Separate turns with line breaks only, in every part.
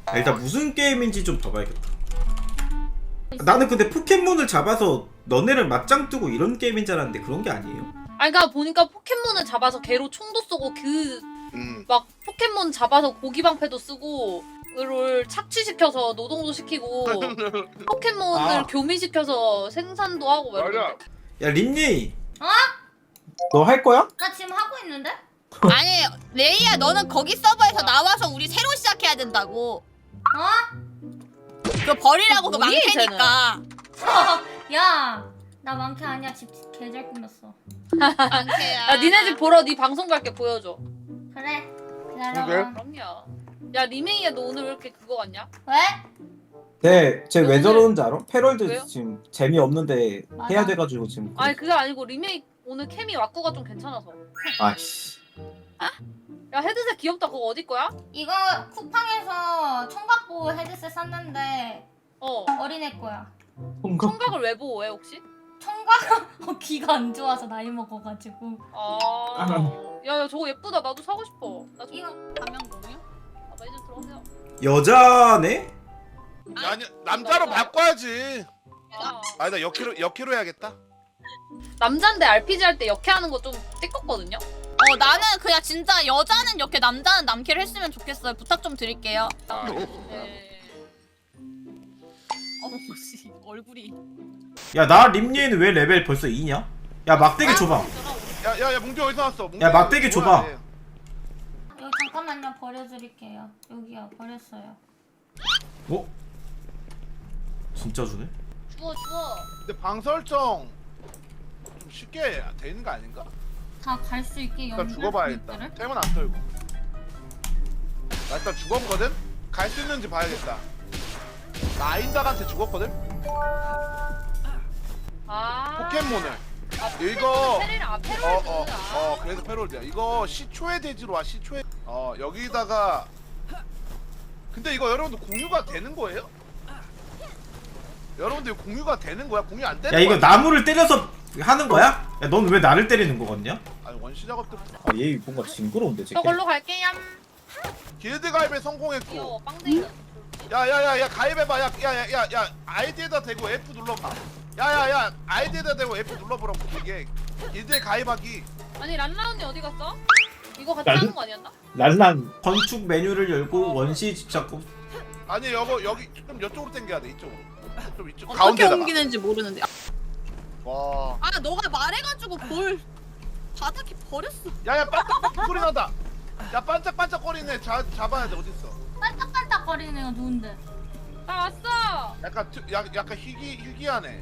일단 무슨 게임인지 좀 더 봐야겠다. 나는 근데 포켓몬을 잡아서 너네를 맞짱 뜨고 이런 게임인 줄 알았는데 그런 게 아니에요.
아니 그러니까 보니까 포켓몬을 잡아서 걔로 총도 쏘고 막 포켓몬 잡아서 고기방패도 쓰고 그를 착취시켜서 노동도 시키고 포켓몬을 교미시켜서 생산도 하고 막
맞아.
야 린니,
어?
너 할 거야?
나 지금 하고 있는데?
아니 레이야 너는 거기 서버에서 나와서 우리 새로 시작해야 된다고.
어?
그거 버리라고 그
뭐니,
망태니까.
야, 나 많게 아니야. 집 개잘 꾸몄어.
망태야.
야 니네 집 보러 네 방송 갈게 보여줘.
그래.
그래?
기다려봐.
그럼요. 야 리메이야 너 오늘 왜 이렇게 그거 같냐?
왜?
네, 쟤 왜 저러는지 알아? 패럴드
왜요?
지금 재미없는데
맞아.
해야 돼가지고 지금.
아니 그게 아니고 리메이 오늘 케미 왁구가 좀 괜찮아서.
아이씨.
야 헤드셋 귀엽다. 그거 어디 거야?
이거 쿠팡에서 청각보호 헤드셋 샀는데
어.
어린애 거야.
통금.
청각을 왜 보호해 혹시?
청각 귀가 안 좋아서 나이 먹어가지고.
아. 야 저거 예쁘다. 나도 사고 싶어. 나 저거.
이거
가면 뭐냐?
아, 매니저 들어오세요.
여자네?
아니 남자로 바꿔야지.
아.
아니 나 역키로 해야겠다.
남잔데 RPG 할 때 역해하는 거 좀 띠껍거든요?
나는 그냥 진짜 여자는 이렇게 남자는 남캐를 했으면 좋겠어요. 부탁 좀 드릴게요.
아,
네.
어머 씨 얼굴이.
야 나 린니는 왜 레벨 벌써 2냐? 야 막대기 줘봐.
야야야 뭉디 어디서 왔어? 뭉디
야, 막대기 줘봐.
뭐야, 얘.
여기 잠깐만요. 버려드릴게요. 여기요. 버렸어요.
어? 진짜 주네?
주워 주워.
근데 방 설정 좀 쉽게 되는 거 아닌가?
다 갈 수 있게
일단
연결
죽어봐야겠다.
포인트를?
템은 안 털고. 나 일단 죽었거든? 갈 수 있는지 봐야겠다. 나 아인닥한테 죽었거든?
아.
포켓몬을.
아,
이거
페리라.
그래서 패롤드야. 이거 시초의 대지로 와. 시초의 여기다가 근데 이거 여러분들 공유가 되는 거예요? 여러분들 이거 공유가 되는 거야? 공유 안 되는
야 이거
거야?
나무를 때려서 하는 거야? 야 넌 왜 나를 때리는 거 같냐?
아니 원시 작업 때
아, 얘 뭔가 징그러운데 쟤.
저걸로 갈게요.
길드 가입에 성공했고.
귀여워 빵댕이.
야야야야 가입해봐. 야야야야 아이디에다 대고 F 눌러봐. 야야야 아이디에다 대고 F 눌러보라고. 이게 길드에 가입하기.
아니 란라 언니 어디 갔어? 이거 같이
란-
하는 거 아니었나?
랄란.
건축 메뉴를 열고 원시 집착고.
아니 여기 좀 이쪽으로 당겨야 돼. 이쪽으로. 좀 이쪽
어떻게
가운데다가.
옮기는지 모르는데.
와.
아 너가 말해가지고 볼 바닥에 버렸어.
야야 반짝반짝 소리 난다. 야 반짝반짝거리네. 잡아야 돼. 어디 있어?
반짝반짝거리는 애가 누군데?
나 왔어.
약간 희귀하네.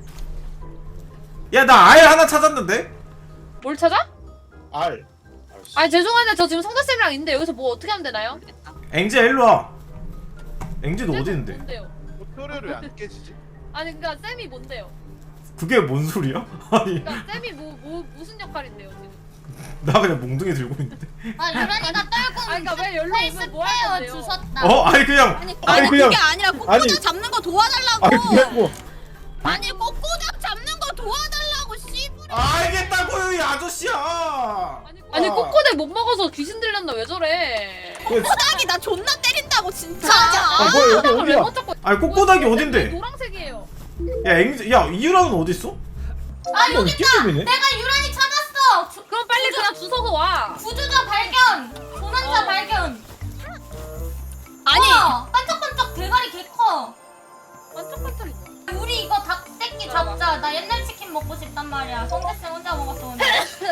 야 나 알 하나 찾았는데?
뭘 찾아?
알.
아니 죄송한데 저 지금 성대쌤이랑 있는데 여기서 뭐 어떻게 하면 되나요?
앵지야 일로 와. 앵지 너 어디 있는데?
뭔데요?
표류를 왜 안 깨지지?
아니 그니까 쌤이 뭔데요?
그게 뭔 소리야? 아니
그니까 쌤이 무슨 역할인데요 지금?
나 그냥 몽둥이 들고 있는데.
아 유란이가 떨고
아니 그니까 왜 열로 오면 뭐
페이스페어
하는데요?
주셨다.
어? 아니 그냥
아니
그냥-
그게 아니라 꼬꼬장
아니.
잡는 거 도와달라고.
아니 그냥 뭐.
아니 꼬꼬장 잡는 거 도와달라고 씨부리.
알겠다고요 이 아저씨야.
아니 꼬꼬대 못 먹어서 귀신 들렸나 왜 저래?
꼬꼬장이 나 존나 때린다고 진짜.
아 뭐야 여기
꼬꼬닥을 왜
어디야?
못 잡고?
아니 꼬꼬닥이 어딘데?
노란색이에요.
야 앵지 야 이유라는 어디 있어?
아
이거
여기
이게임이네.
내가 유란이 찾았어.
그럼 빨리 그냥 주워서 와.
구조자 발견. 조난자 발견.
아니
우와, 반짝반짝 대가리 개 커.
반짝반짝이.
우리 이거 닭새끼 잡자. 나 옛날 치킨 먹고 싶단 말이야. 성대쌤 혼자 먹었어 오늘.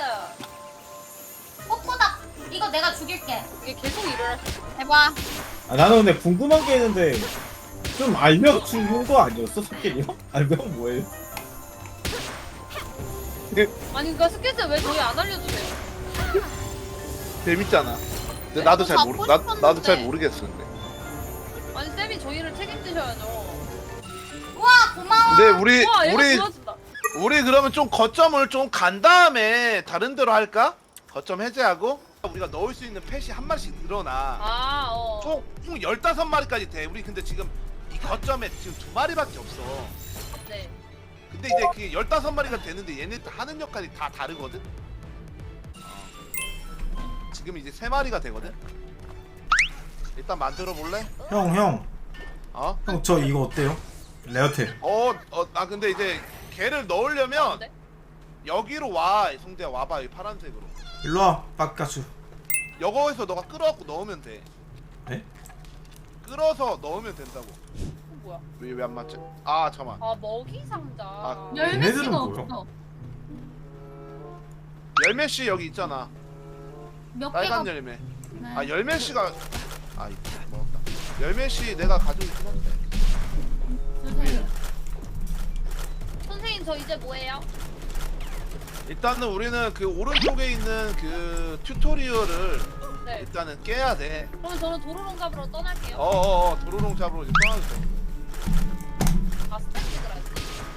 꼬꼬닭 이거 내가 죽일게.
이게 계속 일을 할 수.
해봐.
아 나는 근데 궁금한 게 있는데 좀 알려주는 거 아니었어 스킬이요? 알면 뭐예요?
아니 그니까 스케치 왜 저희 안 알려주세요?
재밌잖아. 근데 나도 잘
잡고
모르 나도 잘
싶었는데.
모르겠어 근데.
아니 쌤이 저희를 책임지셔야죠.
우와 고마워.
근데 우리
와 얘가
우리
좋아진다.
우리 그러면 좀 거점을 좀 간 다음에 다른 데로 할까? 거점 해제하고 우리가 넣을 수 있는 펫이 한 마리씩 늘어나.
아 어.
총 15마리까지 돼. 우리 근데 지금 이 거점에 지금 2마리밖에 없어.
네.
근데 이제 그게 15마리가 되는데 얘네들 하는 역할이 다 다르거든? 지금 이제 3마리가 되거든? 일단 만들어 볼래?
형
어?
저 이거 어때요? 레어텔.
아 근데 이제 걔를 넣으려면
네?
여기로 와. 성대야 와봐. 이 파란색으로.
일로와 빡가수.
여거에서 너가 끌어갖고 넣으면 돼.
네?
끌어서 넣으면 된다고.
뭐야?
왜 안 맞지? 아 잠깐만.
아 먹이 상자.
아,
얘네들은
열매씨가
뭐야?
없어.
열매씨 여기 있잖아.
몇 개가
빨간 열매.
네.
아 열매씨가 아 이거 먹었다. 열매씨 내가 가지고 있긴 한데.
주세요.
선생님 저 이제 뭐해요?
일단은 우리는 그 오른쪽에 있는 그 튜토리얼을
네.
일단은 깨야 돼.
그러면 저는 도로롱 잡으러 떠날게요.
도로롱 잡으러 이제 떠나죠.
아 스택 찍으라지.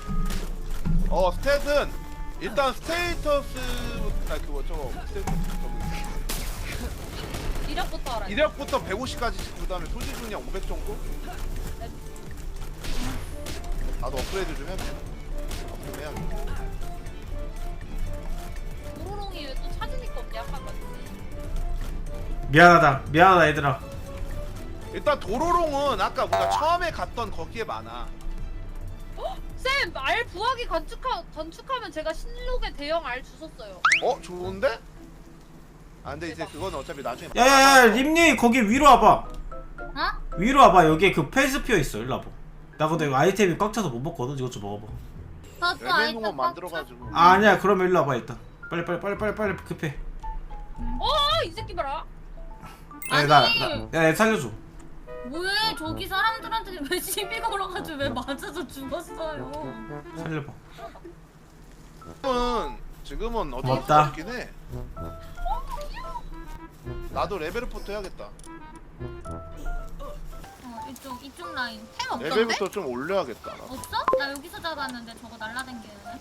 스탯은 일단 스테이터스 그거 저거 스테이터스
이력부터 알아요.
이력부터 150까지 찍고 그다음에 소지 중량 500 정도? 나도 업그레이드 좀 해야겠다. 업그레이드 해야겠다.
도로롱이 왜 또 찾으니까 없냐 약간 같지.
미안하다 얘들아.
일단 도로롱은 아까 우리가 처음에 갔던 거기에 많아.
쌤! 알 부하기 건축하면 제가 신록의 대형 알 주웠어요.
좋은데? 아 근데 이제 그건 어차피 나중에
야야야 림니 거기 위로 와봐.
어?
위로 와봐. 여기에 그 페이스피어 있어. 일로 와봐. 나 근데 이거 아이템이 꽉 차서 못 먹거든. 이것 좀 먹어봐.
저도
열매 농업
아이템
만들어가지고
아니야 그러면 일로 와봐 일단. 빨리 급해.
이 새끼 봐라.
야얘 살려줘.
왜 저기 사람들한테 왜 시비 걸어가지고 왜 맞아서 죽었어요?
살려봐.
지금은 어쩔 수
고맙다.
없긴 해. 나도 레벨부터 해야겠다.
이쪽 라인 템 없던데?
레벨부터 좀 올려야겠다. 나.
없어? 나 여기서 잡았는데 저거 날라댕기네.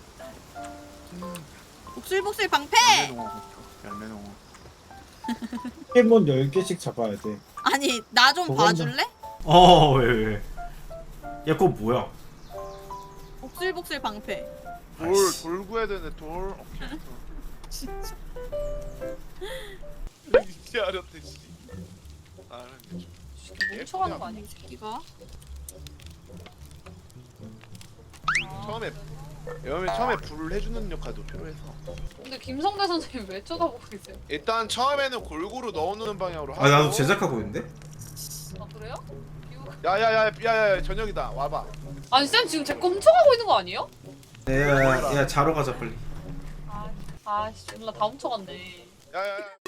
복슬복슬 방패.
열매 농업.
포켓몬 10개씩 잡아야 돼.
아니 나 좀
그건
봐줄래?
왜? 야 그거 뭐야?
복슬복슬 방패.
돌 구해야 되는데 돌. 오케이.
진짜.
이제 알았대 씨.
뭉쳐가는 거 아니야?
이거.
처음에 불을 해주는 역할도 필요해서.
근데 김성대 선생님 왜 쳐다보고 계세요?
일단 처음에는 골고루 넣어놓는 방향으로 하고.
나도 제작하고 있는데?
아 그래요?
야야야야야 저녁이다 와봐.
아니 쌤 지금 제 거 훔쳐가고 있는 거 아니에요?
야 자러 가자 빨리.
아씨 졸라 다 훔쳐갔네.
야야야.